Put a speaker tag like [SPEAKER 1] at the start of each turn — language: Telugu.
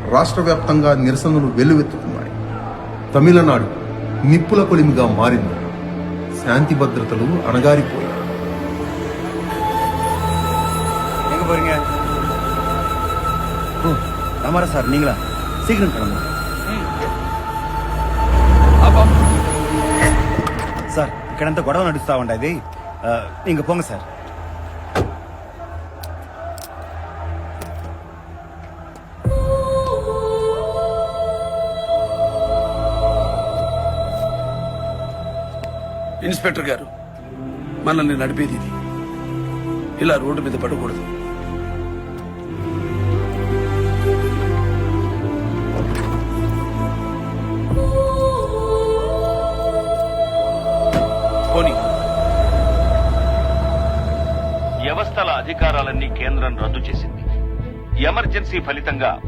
[SPEAKER 1] రాష్ట్ర వ్యాప్తంగా నిరసనలు వెల్లువెత్తుతున్నాయి. తమిళనాడు నిప్పుల కొలిమిగా మారింది. శాంతి భద్రతలు అణగారిపోయాయి.
[SPEAKER 2] ஆமாரா சார், நீங்களா? சீக்கிரம் கிளம்புங்க సార్. ఇక్కడంతా గొడవ నడుస్తా ఉండేది, ఇంక పోంగ సార్.
[SPEAKER 3] ఇన్స్పెక్టర్ గారు, మనల్ని నడిపేది ఇది. ఇలా రోడ్డు మీద పడకూడదు. పోనీ
[SPEAKER 4] వ్యవస్థల అధికారాలన్నీ కేంద్రం రద్దు చేసింది. ఎమర్జెన్సీ ఫలితంగా